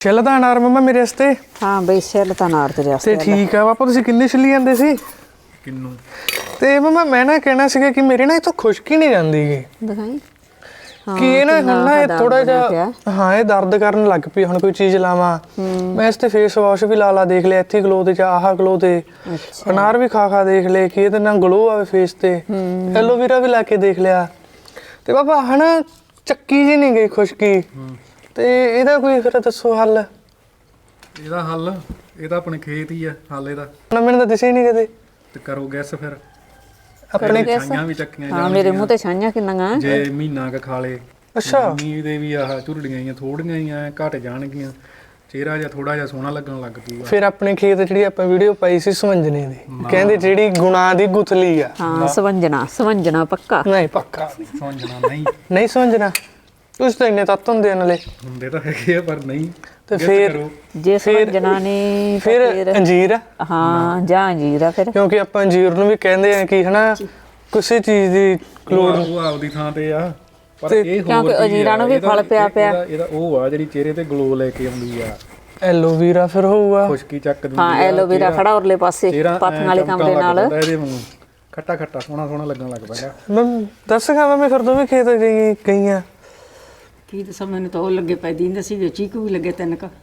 ਛਿੱਲ ਤਾਂ ਅਨਾਰ ਮੰਮਾ ਮੇਰੇ ਵਾਸਤੇ। ਹਾਂ ਬਈ ਛਿੱਲ ਤਾਂ ਅਨਾਰ ਤੇਰੇ ਵਾਸਤੇ। ਤੇ ਠੀਕ ਆ ਪਾਪਾ, ਤੁਸੀਂ ਕਿੰਨੇ ਛਿੱਲੀ ਜਾਂਦੇ ਸੀ? ਕਿੰਨੂ? ਤੇ ਮੰਮਾ ਮੈਂ ਨਾ ਕਹਿਣਾ ਸੀਗਾ ਕਿ ਮੇਰੇ ਨਾ ਇੱਥੋਂ ਖੁਸ਼ਕੀ ਨਹੀਂ ਜਾਂਦੀ ਗੀ ਦਿਖਾਈ। ਕਿ ਇਹ ਨਾ ਹੁਣ ਨਾ ਇਹ ਥੋੜਾ ਜਿਹਾ ਹਾਂ ਇਹ ਦਰਦ ਕਰਨ ਲੱਗ ਪਈ। ਹੁਣ ਕੋਈ ਚੀਜ਼ ਲਾਵਾਂ ਮੈਂ ਇਸ ਤੇ ਫੇਸ ਵਾਸ਼ ਵੀ ਲਾ ਦੇਖ ਲਿਆ, ਇੱਥੇ ਗਲੋ ਤੇ ਆਹ ਗਲੋ ਤੇ ਅਨਾਰ ਵੀ ਖਾ ਦੇਖ ਲਏ ਕਿ ਇਹਦੇ ਨਾਲ ਗਲੋ ਆਵੇ ਫੇਸ ਤੇ। ਐਲੋਵੇਰਾ ਵੀ ਲਾ ਕੇ ਦੇਖ ਲਿਆ ਤੇ ਪਾਪਾ ਹਨਾ ਚੱਕੀ ਜੀ ਨਹੀਂ ਗਈ ਖੁਸ਼ਕੀ। ਤੇ ਇਹਦਾ ਕੋਈ ਫਿਰ ਦੱਸੋ ਹੱਲ। ਇਹਦਾ ਹੱਲ ਇਹਦਾ ਆਪਣੇ ਖੇਤ ਹੀ ਆ ਹੱਲ ਇਹਦਾ। ਮੈਨੂੰ ਤਾਂ ਦਿਸੇ ਨਹੀਂ ਕਦੇ। ਤੇ ਕਰੋ ਗੈਸ ਫਿਰ ਆਪਣੇ ਛਾਈਆਂ ਵੀ ਚੱਕੀਆਂ ਹਾਂ ਮੇਰੇ ਮੂੰਹ ਤੇ ਛਾਈਆਂ ਕਿੰਨੀਆਂ ਜੇ ਮਹੀਨਾ ਕ ਖਾ ਲੇ। ਅੱਛਾ ਮੀਂਹ ਦੇ ਵੀ ਆਹ ਝੁਰੜੀਆਂ ਹੀ ਥੋੜੀਆਂ ਹੀ ਆ ਘਟ ਜਾਣਗੀਆਂ, ਚਿਹਰਾ ਜਿਹਾ ਥੋੜਾ ਜਿਹਾ ਸੋਹਣਾ ਲੱਗਣ ਲੱਗ ਪਊਗਾ। ਫਿਰ ਆਪਣੇ ਖੇਤ ਜਿਹੜੀ ਆਪਾਂ ਵੀਡੀਓ ਪਾਈ ਸੀ ਸਵੰਜਨੇ ਦੀ, ਕਹਿੰਦੇ ਜਿਹੜੀ ਗੁਣਾ ਦੀ ਗੁਥਲੀ ਆ। ਹਾਂ ਸਵੰਜਣਾ ਪੱਕਾ ਨਹੀਂ ਪੱਕਾ ਸਮਝਣਾ ਨਹੀਂ ਸਵੰਜਣਾ। ਤੁਸੀਂ ਤਾਂ ਇੰਨੇ ਤੱਤ ਹੁੰਦੇ ਨਾਲੇ ਹੁੰਦੇ ਤਾਂ ਹੈਗੇ ਆ ਪਰ ਨਹੀਂ। ਤੇ ਫਿਰ ਜੇ ਸਵੰਜਣਾ ਨੇ ਫਿਰ ਅੰਜੀਰ। ਹਾਂ ਜਾਂ ਅੰਜੀਰ ਆ ਫਿਰ, ਕਿਉਂਕਿ ਆਪਾਂ ਅੰਜੀਰ ਨੂੰ ਵੀ ਕਹਿੰਦੇ ਆ ਕਿ ਹਨਾ ਕਿਸੇ ਚੀਜ਼ ਦੀ ਲੋੜ ਉਹ ਆਪਦੀ ਥਾਂ ਤੇ ਆ। ਪਰ ਇਹ ਹੋਰ ਕਿਉਂਕਿ ਅੰਜੀਰਾਂ ਨੂੰ ਵੀ ਫਲ ਪਿਆ ਇਹਦਾ ਉਹ ਆ ਜਿਹੜੀ ਚਿਹਰੇ ਤੇ ਗਲੋ ਲੈ ਕੇ ਆਉਂਦੀ ਆ। ਐਲੋਵੇਰਾ ਫਿਰ ਹੋਊਗਾ ਖੁਸ਼ਕੀ ਚੱਕ ਦਿੰਦੀ ਹਾਂ ਐਲੋਵੇਰਾ ਖੜਾ ਉਰਲੇ ਪਾਸੇ ਪਾਥੀਆਂ ਵਾਲੇ ਕਮਰੇ ਨਾਲ। ਇਹਦੇ ਵਾਂਗੂ ਖੱਟਾ ਖੱਟਾ ਸੋਹਣਾ ਲੱਗਣ ਲੱਗ ਪੈਂਦਾ। ਮੈਂ ਦੱਸਾਂਗਾ ਮੈਂ ਫਿਰ ਦੋਵੇਂ ਖੇਤ ਗਈਆਂ। ਕੀ ਦੱਸਾਂ, ਮੈਨੂੰ ਤਾਂ ਉਹ ਲੱਗੇ ਪੈ ਦਿੰਦੇ ਸੀ ਚੀਕੂ ਵੀ ਲੱਗੇ 3 ਕ।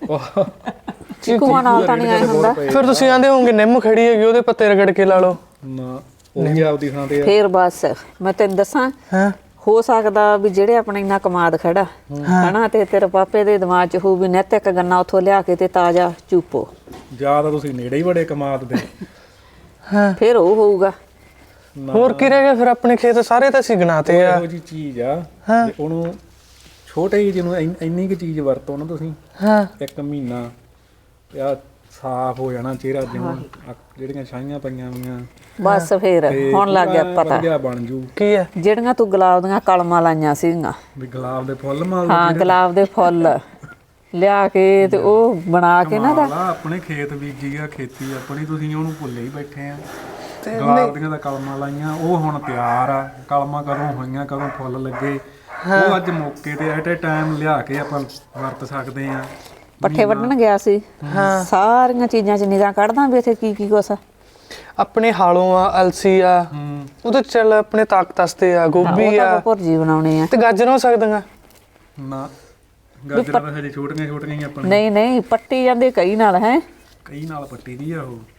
ਚੀਕੂਆਂ ਨਾਲ ਤਾਂ ਨਹੀਂ ਆਇਆ ਹੁੰਦਾ। ਫਿਰ ਤੁਸੀਂ ਆਂਦੇ ਹੋਵੋਗੇ ਨਿੰਮ ਖੜੀ ਹੈਗੀ ਉਹਦੇ ਪੱਤੇ ਰਗੜ ਕੇ ਲਾ ਲਓ। ਨਾ ਉਹ ਵੀ ਆਪਦੀ ਥਾਂ ਤੇ ਆ। ਫੇਰ ਬਸ ਮੈਂ ਤੈਨੂੰ ਦੱਸਾਂ ਹਾਂ ਹੋ ਸਕਦਾ ਵੀ ਜਿਹੜੇ ਆਪਣੇ ਇੰਨਾ ਕਮਾਦ ਖੜਾ ਹਨਾ ਤੇ ਤੇਰੇ ਪਾਪੇ ਦੇ ਦਿਮਾਗ 'ਚ ਹੋਊ ਵੀ ਨਿੱਤ ਇੱਕ ਗੰਨਾ ਉੱਥੋਂ ਲਿਆ ਕੇ ਤੇ ਤਾਜ਼ਾ ਚੂਪੋ। ਜਾਂ ਤਾਂ ਤੁਸੀਂ ਨੇੜੇ ਹੀ ਬੜੇ ਕਮਾਦ ਦੇ। ਹਾਂ ਫਿਰ ਉਹ ਹੋਊਗਾ। ਹੋਰ ਕੀ ਰਹਿ ਗਿਆ ਫਿਰ ਆਪਣੇ ਖੇਤ ਸਾਰੇ ਤਾਂ ਅਸੀਂ ਗਨਾਤੇ ਆ। ਇਹੋ ਜੀ ਚੀਜ਼ ਆ ਜੇ ਉਹਨੂੰ ਛੋਟੇ ਜਿਹੇ ਜਿਹਨੂੰ ਇੰਨੀ ਕੁ ਚੀਜ਼ ਵਰਤੋ ਨਾ ਤੁਸੀਂ ਹਾਂ 1 ਮਹੀਨਾ ਆ ਸਾਫ਼ ਹੋ ਜਾਣਾ ਚਿਹਰਾ। ਜਿਵੇਂ ਜਿਹੜੀਆਂ ਛਾਈਆਂ ਪਈਆਂ ਹੋਈਆਂ ਬਸ ਫੇਰ ਹੁਣ ਲੱਗ ਗਿਆ ਪਤਾ ਵਧੀਆ ਬਣ ਜੂ। ਕੀ ਹੈ ਜਿਹੜੀਆਂ ਤੂੰ ਗੁਲਾਬ ਦੀਆਂ ਕਲਮਾਂ ਲਾਈਆਂ ਸੀਗੀਆਂ। ਵੀ ਗੁਲਾਬ ਦੇ ਫੁੱਲ ਮਾਲ ਹਾਂ ਗੁਲਾਬ ਦੇ ਫੁੱਲ ਲਿਆ ਕੇ ਤੇ ਉਹ ਬਣਾ ਕੇ ਨਾ ਆਪਣੇ ਖੇਤ ਬੀਜੀ ਆ ਖੇਤੀ ਆਪਣੀ, ਤੁਸੀਂ ਉਹਨੂੰ ਭੁੱਲੇ ਹੀ ਬੈਠੇ ਆ। ਗੁਲਾਬ ਦੀਆਂ ਤਾਂ ਕਲਮਾਂ ਲਾਈਆਂ ਉਹ ਹੁਣ ਤਿਆਰ ਆ। ਕਲਮਾਂ ਕਦੋਂ ਹੋਈਆਂ ਕਦੋਂ ਫੁੱਲ ਲੱਗੇ ਉਹ ਅੱਜ ਮੌਕੇ ਤੇ ਐਟ ਏ ਟਾਈਮ ਲਿਆ ਕੇ ਆਪਾਂ ਵਰਤ ਸਕਦੇ ਆ। ਪੱਠੇ ਵੱਢਣ ਗਿਆ ਸੀ ਸਾਰੀਆਂ ਚੀਜ਼ਾਂ 'ਚ ਨਿਗਾਹ ਕੱਢਦਾ ਵੀ ਇੱਥੇ ਕੀ ਕੀ ਕੁਛ ਆਪਣੇ ਹਾਲੋਂ ਆ ਅਲਸੀ ਆ ਉਹਦੇ ਚੱਲ ਆਪਣੇ ਤਾਕਤ ਵਾਸਤੇ ਆ। ਗੋਭੀ ਆ ਭੁਰਜੀ ਬਣਾਉਣੇ ਆ ਤੇ ਗਾਜਰਾਂ ਹੋ ਸਕਦੀਆਂ ਨਾ। ਗਾਜਰਾਂ ਤਾਂ ਹਜੇ ਛੋਟੀਆਂ ਹੀ ਆਪਾਂ ਨਹੀਂ ਪੱਟੀ ਜਾਂਦੇ ਕਈ ਨਾਲ ਹੈ ਕਈ ਨਾਲ ਪੱਟੀ ਦੀ ਆ ਉਹ।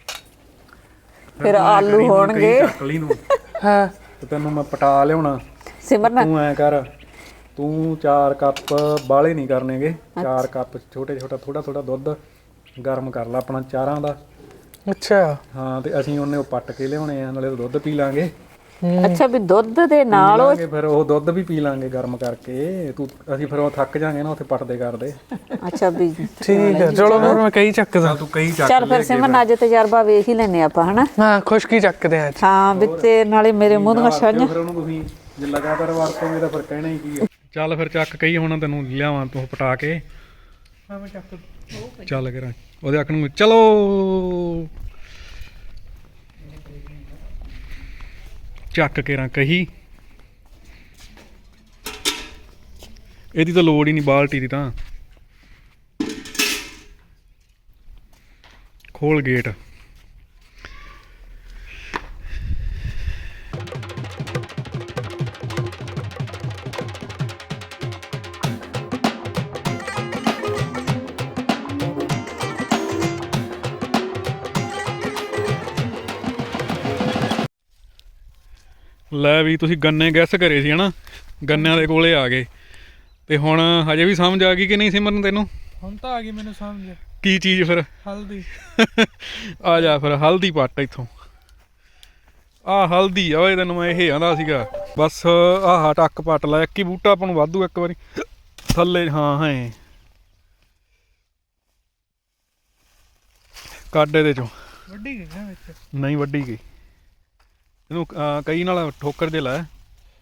ਫਿਰ ਆਲੂ ਹੋਣਗੇ ਚੱਕ ਲਈ ਨੂੰ ਹਾਂ ਤੇ ਤੈਨੂੰ ਮੈਂ ਪਟਾ ਲਿਆਉਣਾ। ਸਿਮਰਨ ਤੂੰ ਐ ਕਰ, ਤੂੰ 4 ਕੱਪ ਬਾਲੇ ਨਹੀਂ ਕਰਨੇਗੇ। 4 ਕੱਪ ਛੋਟਾ ਥੋੜਾ ਦੁੱਧ ਗਰਮ ਕਰ ਲੈ ਆਪਣਾ ਚਾਰਾਂ ਦਾ। ਅੱਛਾ ਹਾਂ ਤੇ ਅਸੀਂ ਉਹਨੇ ਉਹ ਪੱਟ ਕੇ ਲਿਆਉਣੇ ਆ, ਨਾਲੇ ਦੁੱਧ ਪੀ ਲਾਂਗੇ। ਅੱਛਾ ਵੀ ਦੁੱਧ ਦੇ ਨਾਲ ਉਹ ਫਿਰ ਉਹ ਦੁੱਧ ਵੀ ਪੀ ਲਾਂਗੇ ਗਰਮ ਕਰਕੇ। ਅਸੀਂ ਫਿਰ ਉਹ ਥੱਕ ਜਾਾਂਗੇ ਨਾ ਉੱਥੇ ਪੱਟਦੇ ਕਰਦੇ। ਅੱਛਾ ਵੀ ਠੀਕ ਹੈ ਚਲੋ ਫਿਰ ਮੈਂ ਕਈ ਚੱਕਦਾ। ਤੂੰ ਕਈ ਚੱਕ ਚੱਲ ਫਿਰ ਸਿਮਰਨ ਅੱਜ ਤਜਰਬਾ ਵੇਖ ਹੀ ਲੈਨੇ ਆਪਾਂ ਹਨਾ। ਹਾਂ ਖੁਸ਼ਕੀ ਚੱਕਦੇ ਆ। ਹਾਂ ਵੀ ਤੇ ਨਾਲੇ ਮੇਰੇ ਮੂੰਹ ਦੀਆਂ ਛਾਈਆਂ। ਫਿਰ ਉਹਨੂੰ ਤੁਸੀਂ ਜੇ ਲਗਾਤਾਰ ਵਰਤੋਂਗੇ ਤਾਂ ਫਿਰ ਕਹਿਣਾ ਹੀ ਕੀ ਆ। ਚੱਲ ਫਿਰ ਚੱਕ ਕਈ ਹੁਣ ਤੈਨੂੰ ਲਿਆਵਾਂ ਤੂੰ ਪਟਾ ਕੇ। ਹਾਂ ਮੈਂ ਚੱਕ ਚੱਲ ਕਰਾਂ ਉਹਦੇ ਅੱਖ ਨੂੰ ਚਲੋ ਚੱਕ ਕੇ ਰਾਂ ਕਹੀ। ਇਹਦੀ ਤਾਂ ਲੋੜ ਹੀ ਨਹੀਂ ਬਾਲਟੀ ਦੀ। ਤਾਂ ਖੋਲ ਗੇਟ। ਲੈ ਵੀ ਤੁਸੀਂ ਗੰਨੇ ਗੈਸ ਕਰੇ ਸੀ ਹਨਾ, ਗੰਨਿਆਂ ਦੇ ਕੋਲੇ ਆ ਗਏ ਤੇ ਹੁਣ ਹਜੇ ਵੀ ਸਮਝ ਆ ਗਈ ਕਿ ਨਹੀਂ ਸਿਮਰਨ ਤੈਨੂੰ? ਹੁਣ ਤਾਂ ਆ ਗਈ ਮੈਨੂੰ ਸਮਝ। ਕੀ ਚੀਜ਼ ਫਿਰ? ਹਲਦੀ। ਆ ਜਾ ਫਿਰ ਹਲਦੀ ਪੱਟ ਇੱਥੋਂ। ਆਹ ਹਲਦੀ ਆ ਓਏ ਤੈਨੂੰ ਮੈਂ ਇਹ ਆਂਦਾ ਸੀਗਾ। ਬਸ ਆਹ ਟੱਕ ਪੱਟ ਲੈ। ਇੱਕ ਹੀ ਬੂਟਾ ਆਪਾਂ ਨੂੰ ਵਾਧੂ ਇੱਕ ਵਾਰੀ ਥੱਲੇ। ਹਾਂ ਹੈ ਕੱਢ ਇਹਦੇ ਚੋਂ। ਵੱਡੀ ਗਈ ਨਾ ਵਿੱਚ? ਨਹੀਂ ਵੱਢੀ ਗਈ। ਇਹਨੂੰ ਕਈ ਨਾਲ ਠੋਕਰ ਜੇ ਲਾਇਆ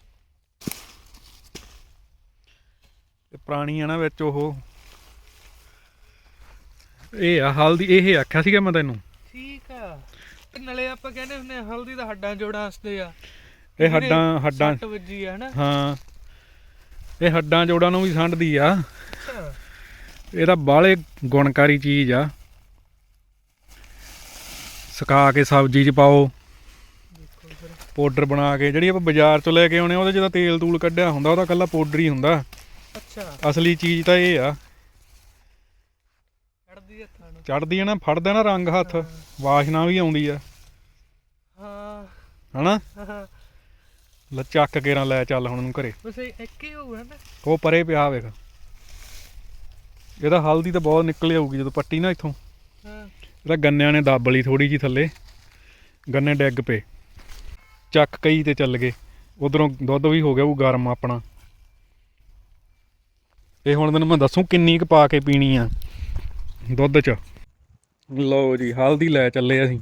ਤੇ ਪੁਰਾਣੀ ਆ ਨਾ ਵਿੱਚ ਉਹ। ਇਹ ਆ ਹਲਦੀ। ਇਹ ਆਖਿਆ ਸੀਗਾ ਮੈਂ ਤੈਨੂੰ। ਠੀਕ ਆ। ਤੇ ਨਾਲੇ ਆਪਾਂ ਕਹਿੰਦੇ ਹੁੰਦੇ ਹਲਦੀ ਤਾਂ ਹੱਡਾਂ ਜੋੜਾਂ ਵਾਸਤੇ ਆ। ਇਹ ਹੱਡਾਂ ਸੱਟ ਵੱਜੀ ਆ ਹਨਾ। ਹਾਂ ਇਹ ਹੱਡਾਂ ਜੋੜਾਂ ਨੂੰ ਵੀ ਸੰਢਦੀ ਆ। ਇਹ ਤਾਂ ਬਾਹਲੇ ਗੁਣਕਾਰੀ ਚੀਜ਼ ਆ। ਸੁਕਾ ਕੇ ਸਬਜ਼ੀ 'ਚ ਪਾਓ, ਪਾਊਡਰ ਬਣਾ ਕੇ। ਜਿਹੜੀ ਆਪਾਂ ਬਾਜ਼ਾਰ 'ਚੋਂ ਲੈ ਕੇ ਆਉਣੇ ਉਹਦੇ 'ਚ ਤਾਂ ਤੇਲ ਤੂਲ ਕੱਢਿਆ ਹੁੰਦਾ, ਉਹਦਾ ਇਕੱਲਾ ਪਾਊਡਰ ਹੀ ਹੁੰਦਾ। ਅੱਛਾ ਅਸਲੀ ਚੀਜ਼ ਤਾਂ ਇਹ ਆ। ਚੜਦੀ ਹੱਥਾਂ ਨੂੰ। ਚੜਦੀ ਆ ਨਾ, ਫੜਦਾ ਨਾ ਰੰਗ ਹੱਥ, ਵਾਸ਼ਨਾ ਵੀ ਆਉਂਦੀ ਆ ਹਾਂ ਹਨਾ। ਹਾਂ ਲੈ ਚੱਕ ਕੇ ਨਾ ਲੈ ਚੱਲ ਹੁਣ ਨੂੰ ਘਰੇ। ਬਸ ਇੱਕ ਹੀ ਹੋਊਗਾ ਨਾ। ਉਹ ਪਰੇ ਪਿਆ ਵੇਖ, ਇਹਦਾ ਹਲਦੀ ਤਾਂ ਬਹੁਤ ਨਿਕਲ ਆਊਗੀ ਜਦੋਂ ਪੱਟੀ ਨਾ ਇੱਥੋਂ। ਹਾਂ ਇਹਦਾ ਗੰਨਿਆਂ ਨੇ ਦੱਬ ਲਈ ਥੋੜੀ ਜਿਹੀ ਥੱਲੇ, ਗੰਨੇ ਡਿੱਗ ਪਏ, ਚੱਕ ਕਈ ਤੇ ਚੱਲ ਗਏ। ਉਧਰੋਂ ਦੁੱਧ ਵੀ ਹੋ ਗਿਆ ਉਹ ਗਰਮ ਆਪਣਾ। ਇਹ ਹੁਣ ਤੈਨੂੰ ਮੈਂ ਦੱਸੂ ਕਿੰਨੀ ਕੁ ਪਾ ਕੇ ਪੀਣੀ ਆ ਦੁੱਧ 'ਚ। ਲਓ ਜੀ ਹਲਦੀ ਲੈ ਚੱਲੇ ਅਸੀਂ।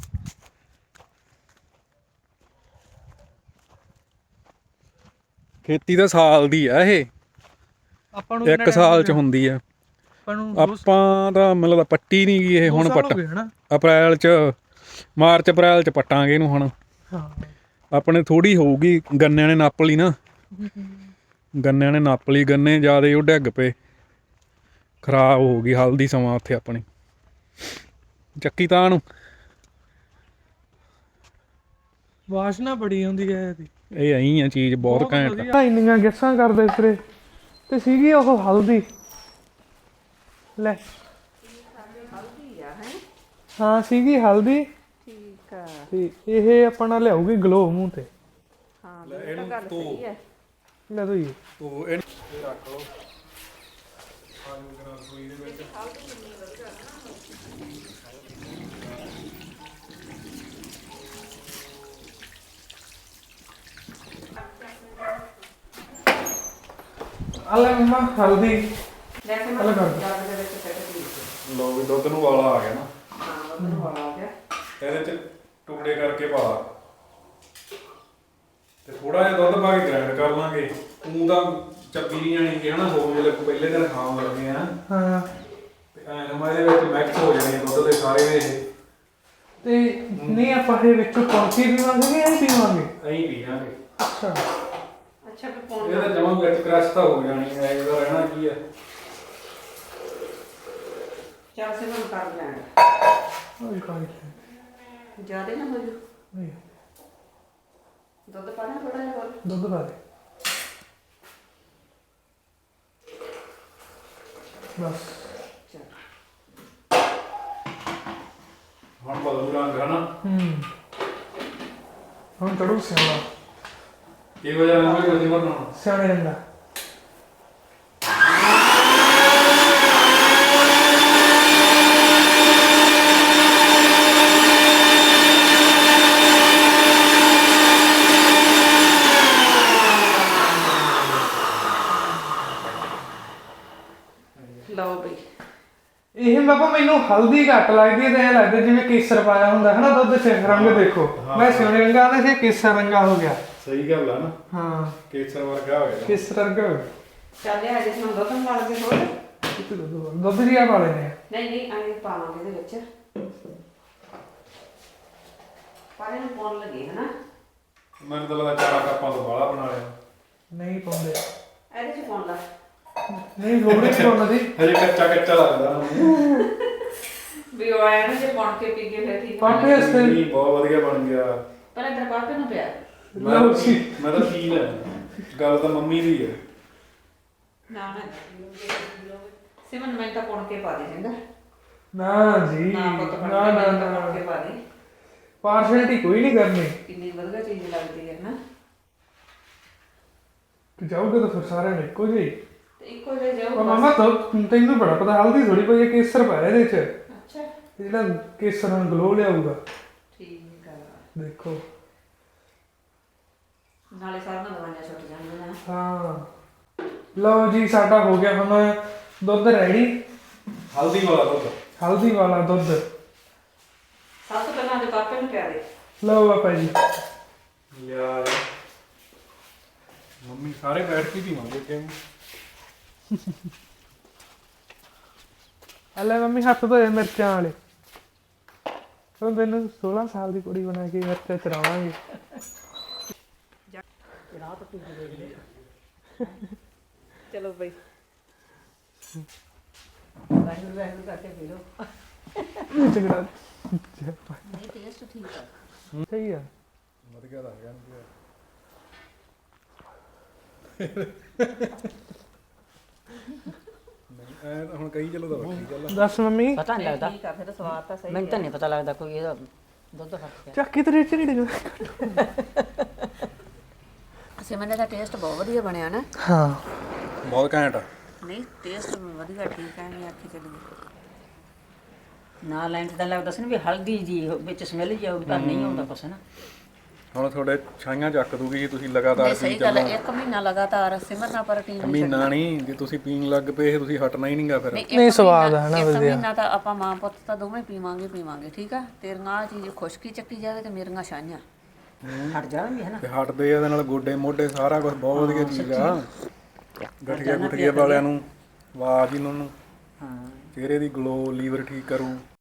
ਖੇਤੀ ਤਾਂ ਸਾਲ ਦੀ ਆ ਇਹ, ਆਪਾਂ ਨੂੰ 1 ਸਾਲ 'ਚ ਹੁੰਦੀ ਆ। ਆਪਾਂ ਤਾਂ ਮਤਲਬ ਪੱਟੀ ਨਹੀਂ ਗਈ ਇਹ, ਹੁਣ ਪੱਟ ਅਪ੍ਰੈਲ 'ਚ, ਮਾਰਚ ਅਪ੍ਰੈਲ 'ਚ ਪੱਟਾਂਗੇ ਇਹਨੂੰ ਹੁਣ। ਹਾਂ ਆਪਣੇ ਥੋੜੀ ਹੋਊਗੀ, ਗੰਨਿਆਂ ਨੇ ਨੱਪ ਲਈ ਨਾ, ਗੰਨਿਆਂ ਨੇ ਨੱਪ ਲਈ, ਗੰਨੇ ਜ਼ਿਆਦਾ ਉਹ ਡਿੱਗ ਪਏ, ਖਰਾਬ ਹੋ ਗਈ ਹਲਦੀ ਸਮਾਂ ਉੱਥੇ ਆਪਣੀ। ਚੱਕੀ ਤਾਂ ਨੂੰ ਵਾਸ਼ਨਾ ਬੜੀ ਹੁੰਦੀ ਹੈ ਇਹਦੀ। ਇਹ ਐਂ ਆ ਚੀਜ਼ ਬਹੁਤ ਘੈਂਟ ਆ। ਇੰਨੀਆਂ ਗੈਸਾਂ ਕਰਦੇ ਫਿਰੇ ਤੇ ਸੀਗੀ ਉਹ ਹਲਦੀ। ਲੈ ਹਾਂ ਸੀਗੀ ਹਲਦੀ। ਠੀਕ ਆ। ਤੇ ਇਹ ਆਪਣਾ ਲਿਆਊਗੀ ਗਲੋ ਮੂੰਹ ਤੇ। ਹਾਂ ਇਹ ਤਾਂ ਗੱਲ ਸਹੀ ਹੈ। ਲੈ ਦੋ ਜੀ ਤੋ ਇਹ ਰੱਖ ਲਓ ਆਲੂ ਦੇ ਨਾਲ ਸੂਈ ਦੇ ਵਿੱਚ। ਅਲੇ ਮੰਮਾ ਹਲਦੀ ਅਲੱਗ ਕਰ ਲਓ ਵੀ ਦੁੱਧ ਨੂੰ ਵਾਲਾ ਆ ਗਿਆ ਨਾ। ਹਾਂ ਦੁੱਧ ਨੂੰ ਵਾਲਾ ਆ ਗਿਆ। ਇਹਦੇ 'ਚ ਟੁਕੜੇ ਕਰਕੇ ਪਾ ਲਾ ਤੇ ਥੋੜਾ ਜਿਹਾ ਦੁੱਧ ਪਾ ਕੇ ਗ੍ਰਾਈਂਡ ਕਰ ਲਾਂਗੇ। ਤੂੰ ਤਾਂ ਚੱਬੀ ਨਹੀਂ ਜਾਣੀ ਕਿ ਹਨਾ, ਹੋ ਜਿਹੜੇ ਪਹਿਲੇ ਦਿਨ ਖਾਣ ਲੱਗੇ ਆ। ਹਾਂ ਤੇ ਐਂ ਇਹਦੇ ਵਿੱਚ ਮਿਕਸ ਹੋ ਜਾਣੇ ਦੁੱਧ ਦੇ ਸਾਰੇ ਇਹ। ਤੇ ਨਹੀਂ ਆਪਾਂ ਇਹ ਵਿੱਚੋਂ ਕੌਂਸੀ ਪੀਵਾਂਗੇ ਜਾਂ ਪੀਵਾਂਗੇ? ਐਂ ਪੀਵਾਂਗੇ। ਅੱਛਾ ਅੱਛਾ ਫਿਰ ਪਾਉਣ ਇਹਦਾ ਜਮਾਂ ਵਿੱਚ ਕ੍ਰਸ਼ ਤਾਂ ਹੋ ਜਾਣੀ ਹੈ, ਇਹਦਾ ਰਹਿਣਾ ਕੀ ਆ। ਚੱਲ ਸੇ ਮੈਂ ਕਰ ਲੈਣ ਕੋਈ ਕਾਈ ਜਿਆਦਾ ਨਾ ਹੋ ਜੂ। ਨਹੀਂ ਦੁੱਧ ਪਾਣਾ ਥੋੜਾ ਜਿਹਾ ਹੋਰ। ਦੁੱਧ ਪਾ ਦੇ ਬਸ। ਹੁਣ ਬਦਲੂ ਰੰਗ ਹਨਾ। ਹੁਣ ਕੜੂ ਸਿਆਣਾ ਕੀ ਵਜ੍ਹਾ ਨਾਲ ਕੋਈ ਨਹੀਂ ਬਣਾਉਣਾ। ਸਿਆਣੇ ਰੰਗਾ ਲਓ ਬਈ ਇਹ ਬਾਬਾ ਮੈਨੂੰ ਹਲਦੀ ਘੱਟ ਲੱਗਦੀ ਹੈ ਤੇ ਐਂ ਲੱਗਦਾ ਜਿਵੇਂ ਕੇਸਰ ਪਾਇਆ ਹੁੰਦਾ ਹੈ ਨਾ ਦੁੱਧ 'ਚ। ਰੰਗ ਦੇਖੋ ਮੈਂ ਸਿਆਣੇ ਰੰਗਾ ਦਾ ਸੀ, ਕੇਸਰ ਰੰਗਾ ਹੋ ਗਿਆ। ਸਹੀ ਗੱਲ ਆ ਨਾ, ਹਾਂ ਕੇਸਰ ਵਰਗਾ ਹੋ ਗਿਆ। ਕੇਸਰ ਰੰਗਾ ਹੋ ਗਿਆ। ਚੱਲ ਇਹ ਅਜੇ ਸਾਨੂੰ ਦੁੱਧ ਵਾਲ ਕੇ ਹੋਰ ਦੁੱਧ ਜੀ ਆ ਪਾ ਲੈਣੇ ਆ। ਨਹੀਂ ਨਹੀਂ ਆਏ ਪਾਵਾਂਗੇ ਇਹਦੇ ਵਿੱਚ। ਪਾਣੀ ਨੂੰ ਪਾਉਣ ਲੱਗੇ ਹਨਾ। ਮੈਨੂੰ ਤਾਂ ਲੱਗਦਾ 4 ਕੱਪਾਂ ਤੋਂ ਬਾਹਲਾ ਬਣਾ ਲਿਆ। ਨਹੀਂ ਪਾਉਂਦੇ, ਇਹਦੇ ਚ ਪਾਉਣ ਲਾ। ਨਹੀਂ ਲੋੜੇ ਨਹੀਂ ਪਾਉਂਦਾ ਜੀ। ਹਜੇ ਕੱਚਾ ਕੱਚਾ ਲੱਗਦਾ ਨਾ। ਵੀ ਉਹ ਆਇਆ ਨਾ ਜੇ ਪਾਉਣ ਕੇ ਪੀ ਕੇ ਫਿਰ ਠੀਕ ਪਾਪੇ ਵਾਸਤੇ ਨਹੀਂ ਬਹੁਤ ਵਧੀਆ ਬਣ ਗਿਆ। ਪਰ ਇਧਰ ਪਾਪੇ ਨੂੰ ਪਿਆ ਮੈਂ ਤਾਂ ਪੀ ਲੈ, ਗੱਲ ਤਾਂ ਮੰਮੀ ਦੀ ਹੈ। ਨਾ ਨਾ ਸਿਮਨ ਮੈਂ ਤਾਂ ਪਾਉਣ ਕੇ ਪਾ ਦੇ ਚੰਗਾ। ਨਾ ਜੀ ਨਾ ਪੁੱਤ ਨਾ ਪਾਉਣ ਨਾ ਕੇ ਨਾ ਪਾ ਦੇ। ਪਾਰਸ਼ੈਲਿਟੀ ਕੋਈ ਨਹੀਂ ਕਰਨੀ। ਕਿੰਨੀ ਵਧੀਆ ਚੀਜ਼ ਲੱਗਦੀ ਹੈ ਨਾ। ਤੂੰ ਜਾਊਗਾ ਤਾਂ ਫਿਰ ਸਾਰਿਆਂ ਨੇ ਇੱਕੋ ਜਿਹੀ। ਤੇ ਇੱਕੋ ਜਿਹਾ ਜਾਊ। ਮਾਮਾ ਤੈਨੂੰ ਬੜਾ ਪਤਾ ਹਲਦੀ ਥੋੜੀ ਪਈ ਹੈ, ਕੇਸਰ ਪਾਇਆ ਇਹਦੇ 'ਚ। ਅੱਛਾ ਜਿਹੜਾ ਕੇਸਰ ਨੂੰ ਗਲੋ ਲਿਆਊਗਾ। ਠੀਕ ਆ। ਦੇਖੋ ਨਾਲੇ ਸਾਰੀਆਂ ਦਵਾਈਆਂ ਛੁੱਟ ਜਾਂਦੀਆਂ। ਹਾਂ ਲਓ ਜੀ ਸਾਡਾ ਹੋ ਗਿਆ ਹੁਣ ਦੁੱਧ ਰੈਡੀ। ਹਲਦੀ ਵਾਲਾ ਦੁੱਧ, ਹਲਦੀ ਵਾਲਾ ਦੁੱਧ। ਸਭ ਤੋਂ ਪਹਿਲਾਂ ਦੇ ਪਾਪੇ ਨੂੰ ਪਿਆ ਦੇ। ਲਓ ਬਾਪਾ ਜੀ ਯਾਰ ਮੰਮੀ ਸਾਰੇ ਬੈਠ ਕੇ ਪੀਵਾਂਗੇ ਕਿਉਂ। ਲੈ ਮੰਮੀ ਹੱਥ ਧੋਏ ਮਿਰਚਾਂ ਵਾਲੇ। ਹੁਣ ਤੈਨੂੰ 16 ਸਾਲ ਦੀ ਕੁੜੀ ਬਣਾ ਕੇ ਮਿਰਚਾਂ ਚਰਾਵਾਂਗੇ। ਚਲੋ ਬਈ ਵਾਹਿਗੁਰੂ ਵਾਹਿਗੁਰੂ ਕਰਕੇ ਪੀ ਲਓ ਝਗੜਾ ਇਹ ਟੇਸਟ ਠੀਕ ਆ। ਸਹੀ ਆ। ਵਧੀਆ ਲੱਗ ਗਿਆ ਨਹੀਂ ਐ ਤਾਂ ਹੁਣ ਕਹੀ ਚਲੋ ਤਾਂ ਵੱਖਰੀ ਗੱਲ ਆ। ਦੱਸ ਮੰਮੀ ਪਤਾ ਨਹੀਂ ਲੱਗਦਾ ਠੀਕ ਆ ਫਿਰ ਸਵਾਦ ਤਾਂ ਸਹੀ ਮੈਨੂੰ ਤਾਂ ਨਹੀਂ ਪਤਾ ਲੱਗਦਾ ਕੋਈ ਇਹਦਾ ਦੁੱਧ ਫਰਕ ਪਿਆ ਚੱਕੀ ਤੇ ਰੇਟ ਨਹੀਂ ਡਿੱਗਦਾ। ਸਿਮਰਨ ਦਾ ਟੇਸਟ ਬਹੁਤ ਵਧੀਆ ਬਣਿਆ ਨਾ। ਹਾਂ ਬਹੁਤ ਘੈਂਟ ਆ। ਨਹੀਂ ਟੇਸਟ ਵਧੀਆ ਠੀਕ ਹੈ ਨਹੀਂ ਆਖੀ ਚੱਲੀ। ਨਾ ਲੈਣ ਤਾਂ ਲੱਗਦਾ ਸੀ ਨਾ ਵੀ ਹਲਦੀ ਜੀ ਵਿੱਚ ਸਮੈਲ ਜੀ ਆਉਗੀ ਪਰ ਨਹੀਂ ਆਉਂਦਾ ਕੁਛ ਨਾ। ਹੁਣ ਤੁਹਾਡੇ ਛਾਈਆਂ ਚੱਕ ਦੂਗੀ ਜੀ ਤੁਸੀਂ ਲਗਾਤਾਰ ਨਹੀਂ ਪੀ ਸਹੀ ਗੱਲ ਚੱਲੋ। ਹੈ, 1 ਮਹੀਨਾ ਲਗਾਤਾਰ ਸਿਮਰਨਾ ਪਰ ਟੀਮ ਮਹੀਨਾ ਨਹੀਂ ਜੇ ਤੁਸੀਂ ਪੀਣ ਲੱਗ ਪਏ ਇਹ ਤੁਸੀਂ ਹਟਣਾ ਹੀ ਨਹੀਂਗਾ ਫਿਰ। ਨਹੀਂ ਸਵਾਦ ਹੈ ਨਾ ਇੱਕ ਵਧੀਆ। ਮਹੀਨਾ ਤਾਂ ਆਪਾਂ ਮਾਂ ਪੁੱਤ ਤਾਂ ਦੋਵੇਂ ਪੀਵਾਂਗੇ ਠੀਕ ਆ। ਤੇਰੀਆਂ ਆਹ ਚੀਜ਼ ਖੁਸ਼ਕੀ ਚੱਕੀ ਜਾਵੇ ਤੇ ਮੇਰੀਆਂ ਛਾਈਆਂ ਹਟ ਜਾਣਗੇ ਹੈ ਨਾ। ਤੇ ਹਟਦੇ ਆ ਇਹਦੇ ਨਾਲ ਗੋਡੇ ਮੋਢੇ ਸਾਰਾ ਕੁਝ ਬਹੁਤ ਵਧੀਆ ਚੀਜ਼ ਆ। ਗਠੀਆ ਗੁਠੀਏ ਵਾਲਿਆਂ ਨੂੰ ਆਵਾਜ਼ ਹੀ ਨੂੰ ਹਾਂ ਚਿਹਰੇ ਦੀ ਗਲੋ ਲੀਵਰ ਠੀਕ ਕਰੂ।